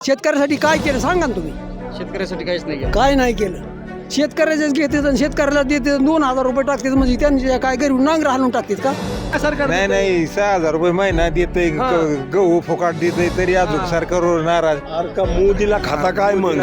शेतकऱ्यासाठी काय केलं सांगा ना तुम्ही. शेतकऱ्यासाठी काहीच नाही केलं. काय नाही केलं. शेतकऱ्याचेच घेते आणि शेतकऱ्याला देते 2000 रुपये टाकतात म्हणजे त्यांच्या काय गरीब नांगर हालून टाकतात का सरकार? नाही 6000 रुपये महिना देतय गहू फुकाट देतय तरी अजून सरकारवर नाराज. अरे का मोदीला खाता काय मग?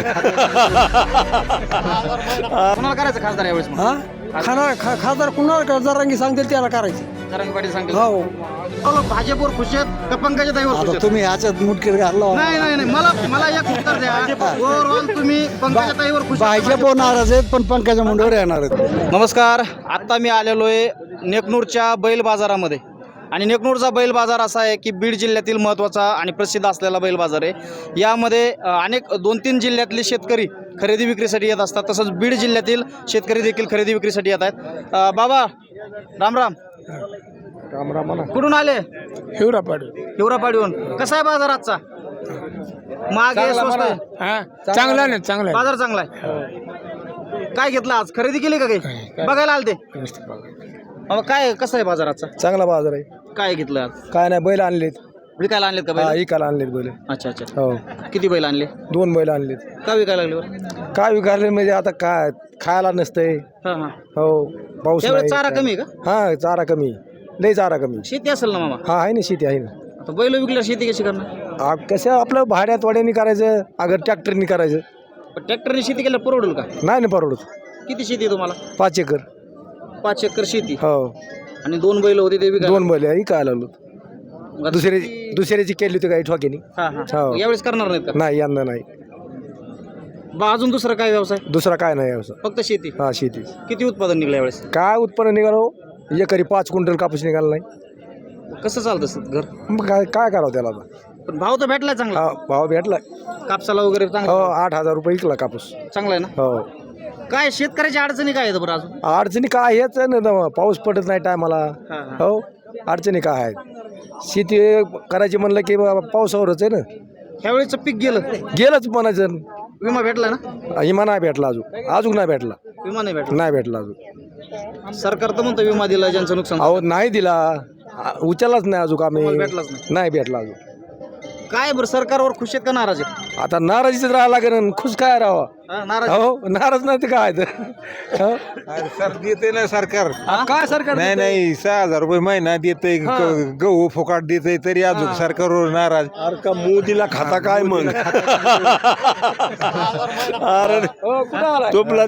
कोणाला करायचं खासदार यावेळेस मग? हा खासदार कुणाला जरांगी सांगतील त्याला करायचं. जरांगे पाटील सांगतील. हो लोक भाजपवर खुश आहेत का पंकजा ताईवर खुश आहेत? तुम्ही ह्याच्यात मुटकीर घालला. नाही मला एक उत्तर द्या. ओव्हरऑल तुम्ही पंकजा ताईवर खुश आहात? भाजप नाराज आहेत पण पंकजा मुंडेवर येणार आहेत. नमस्कार. आत्ता मी आलेलो आहे नेकनूरच्या बैल बाजारामध्ये आणि नेकनूरचा बैल बाजार असा आहे की बीड जिल्ह्यातील महत्त्वाचा आणि प्रसिद्ध असलेला बैल बाजार आहे. यामध्ये अनेक 2-3 जिल्ह्यातले शेतकरी खरेदी विक्रीसाठी येत असतात. तसंच बीड जिल्ह्यातील शेतकरी देखील खरेदी विक्रीसाठी येत आहेत. बाबा राम राम. कुठून आले? हिवरापाडीहून. कसा आहे बाजार आजचा? मागे स्वस्त आहे? चांगला नाही चांगला बाजार चांगला आहे. काय घेतलं आज? खरेदी केली का काही? बघायला आलते? काय कसं आहे बाजार आजचा? चांगला बाजार आहे. काय घेतलं आज? काय नाही बैल आणलेत. विकायला आणलेत का बैल? विकायला आणलेत बैल. अच्छा अच्छा. हो किती बैल आणले? 2 बैल आणलेत. का विकायला लागले बरं? काय विकायले म्हणजे आता काय खायला नसतंय. हा हा. हो पाऊस त्यावेळेस नाही. चारा कमी आहे का? हा चारा कमी, लय चारा कमी. शेती असेल ना मामा? हा आहे ना शेती आहे ना. आता बैल विकल्यावर शेती कशी करणार? कसं आपलं भाड्यात वाड्याने करायचं अगर ट्रॅक्टरनी करायचं. ट्रॅक्टरने शेती केल्यावर परवडेल का? नाही ना परवडत. किती शेती आहे तुम्हाला? 5 एकर. 5 एकर शेती हो आणि 2 बैल होते ते विकायला. 2 बैल विकायला लागलो. मग दुसऱ्याची केली होती काही ठोक्यानी. हा हा. हो. यावेळेस करणार नाहीत का? नाही यंदा नाही. अजून दुसरा काय व्यवसाय? दुसरा काय नाही व्यवसाय. फक्त शेती. हा शेती. किती उत्पादन निघलं यावेळेस? काय उत्पन्न निघालो एकरी 5 क्विंटल कापूस निघाला नाही. कसं चालतं घर? मग काय करावं त्याला आता? पण भाव तर भेटलाय चांगला. हा भाव भेटला. कापसाला वगैरे हो चांगला 8000 रुपये विकला कापूस. चांगला आहे ना? हो. काय शेतकऱ्याच्या अडचणी काय आहेत बरं अजून? अडचणी काय हेच आहे ना, पाऊस पडत नाही टायमाला. हा, हा. हो अडचणी काय आहेत? शेती करायची म्हणलं की बाबा पावसावरच आहे ना. ह्यावेळेचं पीक गेलं. गेलंच म्हणायचं. विमा भेटला ना? विमा नाही भेटला अजून नाही भेटला. विमा नाही भेटला. नाही भेटला अजून. सरकार तर म्हणतं विमा दिला ज्यांचं नुकसान. अहो नाही दिला. उचललाच नाही अजून आम्ही. भेटलाच नाही. नाही भेटला अजून. काय बरं सरकारवर खुश आहेत का नाराज आहेत? आता नाराजीच राहायला लागेल. खुश काय राहावं? हा, नाराज. हो नाराज नाही ते काय तर. हो? सर देते ना सरकार. काय सरकार? नाही 6000 रुपये महिना देतय गहू फुकाट देतय तरी अजून सरकारवर नाराज. अरे का मोदीला खाता काय मग? अरे तोपला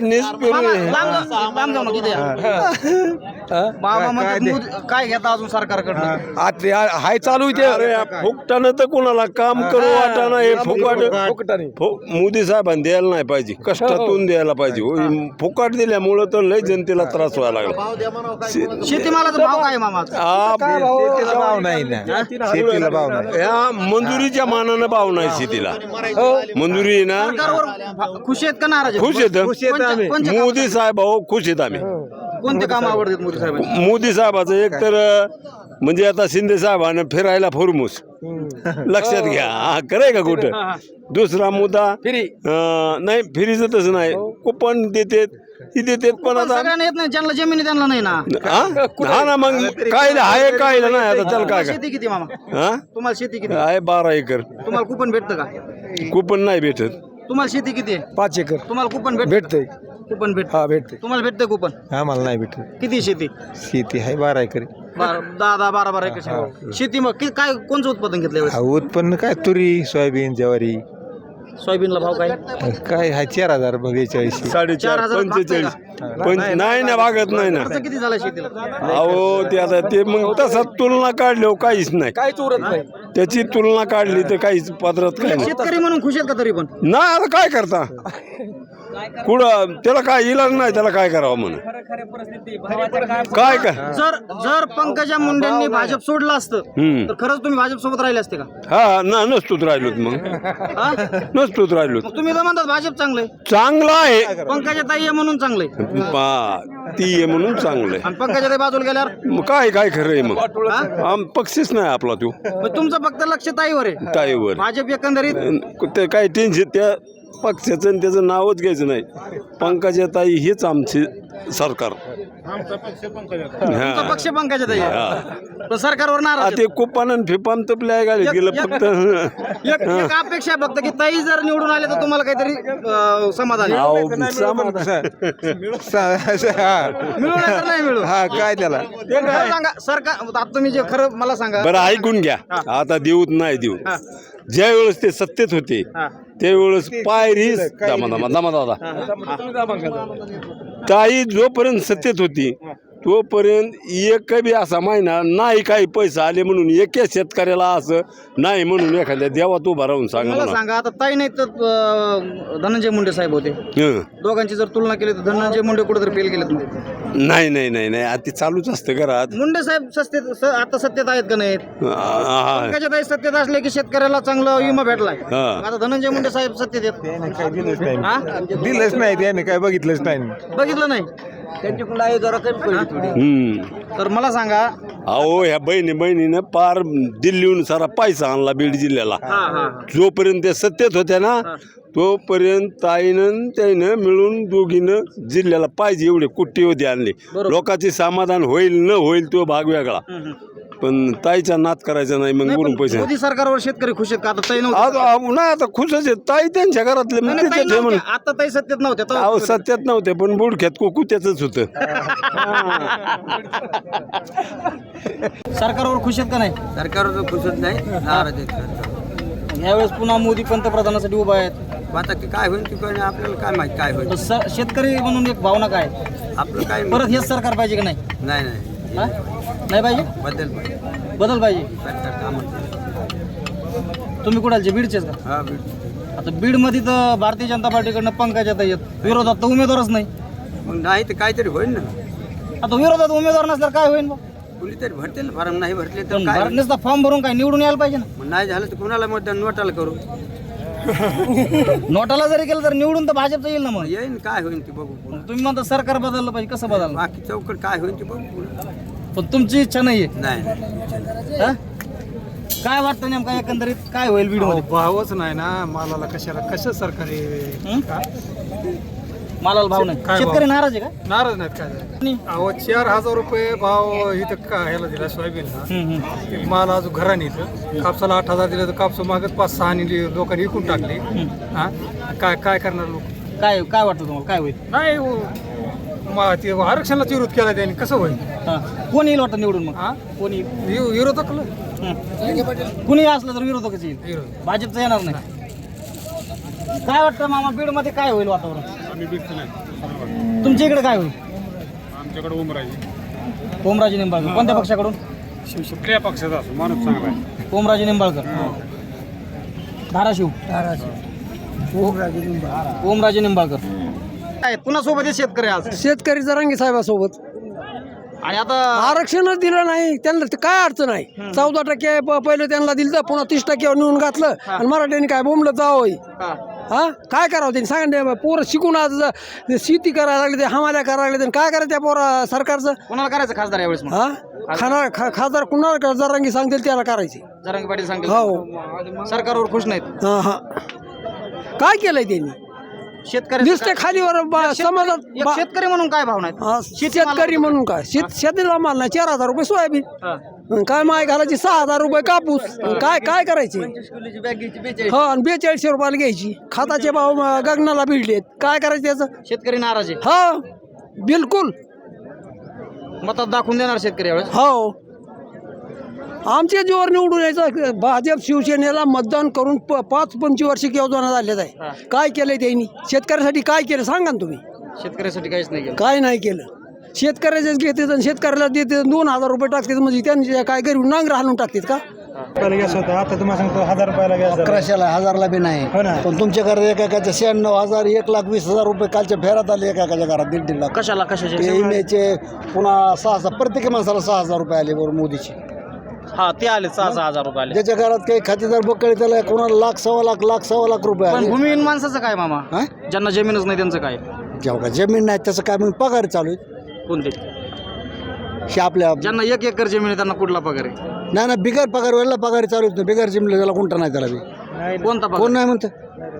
लांब जाऊ नका, इथे या. बाबा म्हणतात काय घेता अजून सरकारकडनं? हाय चालू इथे. फुकटानं तर कोणाला काम करू वाटाणं हे फुकट मोदी साहेबांनी द्यायला नाही पाहिजे. कष्टातून द्यायला पाहिजे. फुकट दिल्यामुळं तर लय जनतेला त्रास व्हायला लागला. शेतीमालाचा भाव काय मामा? शेतीला भाव नाही ना. शेतीला भाव नाही. या मंजुरीच्या मानानं भाव नाही शेतीला. मंजुरी आहे ना. सरकारवर खुश आहेत का नाराज आहेत? खुश येत कोणते मोदी साहेब भाऊ खुश आहेत आम्ही. कोणते काम आवडतात मोदी साहेबांचे? मोदी साहेबाचं एक तर म्हणजे आता शिंदे साहेबांना फिरायला फुरमुस लक्षात घ्या. हा करे का कुठं? दुसरा मुद्दा नाही फिरीचं तसं नाही. कुपन देतात ही देतात पण आता सगळ्यांना येत नाही. ज्यांना जमिनी त्यांना नाही ना. हा ना मग काय आहे काय नाही आता त्याला काय शेती किती मामा? हा तुम्हाला शेती किती? आहे 12 एकर. तुम्हाला कुपन भेटतं का? कुपन नाही भेटत. तुम्हाला शेती किती आहे? 5 एकर तुम्हाला कुपन भेटतंय. कुपन भेटत? हा भेटते. तुम्हाला भेटतं कुपन? आम्हाला नाही भेटत. किती शेती? शेती आहे 12 एकर. 10-12 एकर शेती. शेती मग काय कोणचं उत्पादन घेतलं यावेळेस? उत्पन्न काय तुरी सोयाबीन ज्वारी. सोयाबीनला भाव काय? काय आहे 4000 42. 4.5 45 नाही ना भागत नाही ना. खर्च किती झाला शेतीला? अहो ते आता ते मग तसा तुलना काढल्यावर काहीच नाही. काहीच उरत नाही. त्याची तुलना काढली तर काहीच पात्रात काय नाही. शेतकरी म्हणून खुश आहेत का तरी पण? नाही आता काय करता कुठं त्याला काय इलाज नाही. त्याला काय करावं म्हणून काय जर पंकजा मुंडेंनी भाजप सोडलं असतं तर खरंच तुम्ही भाजप सोबत राहिले असते का? हा ना नसतोच राहिलोत मग. हा? नसतोच राहिलोत. मग तुम्ही तर म्हणतात भाजप चांगलंय. चांगलं आहे. पंकजा ताई आहे म्हणून चांगलंय. ती आहे म्हणून चांगलं आहे. आणि पंकजा ताई बाजूला गेल्यावर मग काय खरं आहे मग. पक्षीच नाही आपला तो. मग तुमचं फक्त लक्ष ताईवर आहे. ताईवर भाजप एकंदरीत ते काय टेन्शन त्या पक्षाचं आणि त्याचं नावच घ्यायचं नाही. पंकजाताई हेच आमचे सरकार. तुमचा पक्ष पंकजाताई आहे. पण सरकारवर नाराज ते कुपान आणि फिपान तपले आहे गाडीत गेलं फक्त. एक अपेक्षा आहे फक्त की ताई जर निवडून आले तर तुम्हाला काहीतरी समाधान आहे. मिळू नाही तर नाही मिळू. हा काय त्याला खरं सांगा सरकार आता तुम्ही जे खरं मला सांगा. बरं ऐकून घ्या. आता देऊत नाही देऊ. ज्या वेळेस ते सत्तेत होते त्यावेळेस पायरी दादा ताई जोपर्यंत सत्तेत होती तोपर्यंत एक बी असा महिना नाही काही पैसा आले म्हणून एका शेतकऱ्याला असं नाही म्हणून एखाद्या देवात उभा राहून सांगा मला मला. सांगा आता ताई नाही तर धनंजय मुंडे साहेब होते. दोघांची जर तुलना केली तर धनंजय मुंडे कुठेतरी फेल गेलेत मग. नाही नाही नाही नाही आता ते चालूच असतं घरात. मुंडे साहेब आता सत्तेत आहेत का नाहीत? पंकजाताई सत्तेत असले की शेतकऱ्याला चांगला विमा भेटलाय. आता धनंजय मुंडे साहेब सत्तेत आहेत. काय दिलंच नाही त्याने काय बघितलंच नाही. बघितलं नाही तर मला सांगा. अहो ह्या बहिणीनं पार दिल्लीहून सारा पैसा आणला बीड जिल्ह्याला. जोपर्यंत त्या सत्तेत होत्या ना तोपर्यंत ताईनं त्यानं मिळून दोघीनं जिल्ह्याला पाहिजे एवढे कुट्टीवधी आणले. लोकांचे समाधान होईल न होईल तो भाग वेगळा, पण ताईचा नाद करायचा नाही. मग बोलून पैसे मोदी सरकारवर शेतकरी खुश आहेत का? आता ताई नव्हते. नाही आता खुशच आहेत ताई त्यांच्या घरातले. आता ताई सत्तेत नव्हत्या. अहो सत्यात नव्हते पण बुडख्यात कुत्याच होतं. सरकारवर खुश आहेत का नाही? सरकारवर खुशच नाही, नाराज आहेत. यावेळेस पुन्हा मोदी पंतप्रधानासाठी उभा आहेत. आता काय होईल की काय आपल्याला काय माहिती काय होईल. शेतकरी म्हणून एक भावना काय आपलं काय परत हेच सरकार पाहिजे की नाही? नाही नाही हा? नाही पाहिजे. बदल पाहिजे. बदल पाहिजे. सरकार काम तुम्ही कुणालचे बीडचेच का? हा आता बीडमध्ये तर भारतीय जनता पार्टीकडनं पंकजाताई आहेत. विरोधात तर उमेदवारच नाही. मग नाही तर काहीतरी होईल ना. आता विरोधात उमेदवार नसल्यावर काय होईल? कुणीतरी भरतील फॉर्म, नाही भरले तर काय होईल? नुसता फॉर्म भरून काय निवडून यायला पाहिजे ना. मग नाही झालं तर कुणाला मतदान नोटाला करू. नोटाला जरी केलं तर निवडून तर भाजपचं येईल ना. मग येईन काय होईल ते बघू. तुम्ही म्हणता सरकार बदललं पाहिजे. कसं बदललं? बाकी चौकट काय होईल ते बघू. पण तुमची इच्छा नाहीये. नाही हा? काय वाटतं नेमका एकंदरीत काय होईल बीडमध्ये? भावच नाही ना मालाला. कसं सरकारी मालाला भाव नाही. शेतकरी नाराज आहे का? नाराज नाहीत काय. अहो 4,000 रुपये भाव इथं का ह्याला दिला सोयाबीनला. माल अजून घराने इथं कापसाला 8,000 दिलं तर कापसा मागत 5-6 लोकांनी विकून टाकले. हा काय करणार लोक? काय काय वाटतं तुम्हाला काय होईल? नाही ते आरक्षणाला विरोध केला त्यांनी. कसं होईल? कोण येईल वाटतं निवडून? मग हा कोण येईल? विरोधकला कुणी असलं तर विरोधकच येईल. विरोध भाजपचं येणार नाही. काय वाटतं मामा बीडमध्ये काय होईल वातावरण? तुमच्या इकडे काय होईल? आमच्याकडे ओमराजे निंबाळकर. कोणत्या पक्षाकडून? कुठल्या पक्षाचा असो माणूस चांगला आहे. ओमराजे निंबाळकर. धाराशिव. ओमराजे निंबाळकर. काय पुन्हा सोबत आहे शेतकरी आज? शेतकरी जरांगी साहेबासोबत. आणि आता आरक्षणच दिलं नाही त्यांना. ते काय अडचण आहे? 14% पहिलं त्यांना दिलं तर पुन्हा 30% नेऊन घातलं आणि मराठ्यांनी काय बोंबलं जावं. हा काय करावं त्यांनी सांगा. पोरं शिकून आज शेती करायला लागले, ते हमाल्या करायला लागले, काय करायचं त्या पोरा सरकारचं? कोणाला करायचं खासदार यावेळेस? मग हा खासदार कुणाला जरांगी सांगतील त्याला करायचे. जरांगे पाटील सांगतील. हो सरकारवर खुश नाहीत. हा काय केलंय त्यांनी? शेतकरी नुसते खालीवर समाजात शेतकरी म्हणून काय भावना आहेत? शेतकरी म्हणून काय शेतीला माल नाही. 4,000 रुपये सोयाबीन. काय माय घालायची 6,000 रुपये कापूस. काय करायचे? हो आणि 4200 रुपयाला घ्यायची. खताचे भाव गगनाला भिडलेत. काय करायचं त्याचं? शेतकरी नाराज आहे. हो बिलकुल. मतात दाखवून देणार शेतकरी यावेळेस? हो आमच्या जीवावर निवडून यायचं. भाजप शिवसेनेला मतदान करून 5-25 वर्ष योजना झालेत आहे. काय केलंय त्यांनी शेतकऱ्यासाठी? काय केलं सांगा ना तुम्ही. शेतकऱ्यासाठी काहीच नाही केलं. काय नाही केलं. शेतकऱ्याचेच घेते आणि शेतकऱ्याला देते 2,000 रुपये टाकतात. म्हणजे त्यांनी काय गरीब नांगर हालून टाकतात का? गॅस होता आता तुम्हाला सांगतो 1,000 रुपयाला गॅस. 1100ला 1000ला बी नाही. पण तुमच्या घरात एकाच्या 96,000 1,20,000 रुपये कालच्या फेऱ्यात आले. एकाच्या घरात 1.5 लाख. कशाला कशाचे? इमेचे पुन्हा 6,000 प्रत्येक माणसाला 6,000 रुपये आले बरोबर मोदीचे. हा ते आले 6,000 रुपये आले. ज्याच्या घरात काही खातेदार बकळे त्याला कोणाला 1,00,000-1,15,00,000 रुपये पण आले. भूमिहीन माणसाचं काय मामा? हा? ज्यांना जमीनच नाही त्यांचं काय? जेव्हा जमीन नाही त्याचं काय मग पगार चालू आहे. कोणते? हे आपल्या ज्यांना 1 एकर जमीन आहे त्यांना कुठला पगार आहे? नाही बिगर पगार वेळेला पगार चालू आहे. बिगर जमीन त्याला कोणता नाही त्याला बी. कोणता कोण पगार? नाही म्हणतं.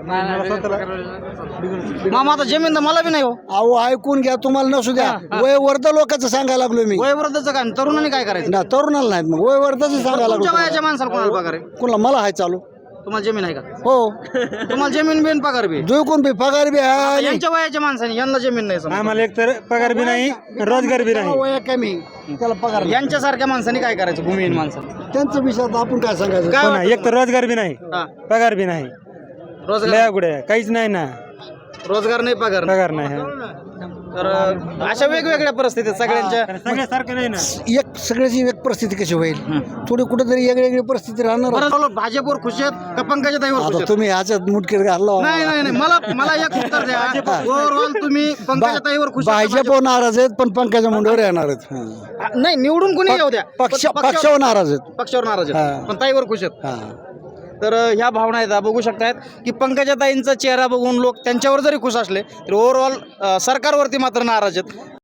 मामा आता जमीन तर मला बी नाही हो. अहो ऐकून घ्या, तुम्हाला नसू द्या. वयवर्ध लोकांचं सांगायला लागलो मी. वयोवृद्धचं काय तरुणांनी काय करायचं? ना तरुणाला नाहीत, मग वयवर्धाचं सांगायला तुमच्या लागलो. वयाच्या माणसाला कोणाला पगार आहे? कोणाला? मला हाय चालू. तुम्हाला जमीन आहे का? हो. तुम्हाला जमीन बिन पगार बी? जो कोण बी पगार बी आहे. यांच्या वयाच्या माणसाने यांना जमीन नाही समजा. आम्हाला एक तर पगार बी नाही, रोजगार बी नाही. वय कमी, त्याला पगार नाही. यांच्यासारख्या माणसाने काय करायचं? भूमिहीन माणसाने त्यांचं विषयात आपण काय सांगायचं? काय हो ना, वाटतं एक तर रोजगार बी नाही, हा. पगार बी नाही, रोजगार लया गुडे काहीच नाही ना, रोजगार नाही, पगार नाही. पगार नाही. हा. तर अशा वेगवेगळ्या परिस्थितीत सगळ्यांच्या सगळ्यासारखं नाही ना. एक सगळ्याची एक परिस्थिती कशी होईल? थोडी कुठेतरी वेगळी परिस्थिती राहणार. बरं झालं, भाजपवर खुश आहेत का पंकजाताईवर खुश आता आहेत? तुम्ही ह्याच्यात मुटकीत घालला. नाही नाही नाही, मला एक उत्तर द्या. ओव्हरऑल तुम्ही पंकजाताईवर खुश आहेत का भाजप नाराज आहेत, पण पंकजा मुंडेवर येणार आहेत. भाजप? नाही, निवडून कोणी येऊ द्या. पक्षावर नाराज आहेत. पक्षावर नाराज आहेत, हा. पण ताईवर खुश आहेत. हा. तर ह्या भावना आहेत, बघू शकतायत की पंकजाताईंचा चेहरा बघून लोक त्यांच्यावर जरी खुश असले तरी ओव्हरऑल सरकारवरती मात्र नाराज आहेत.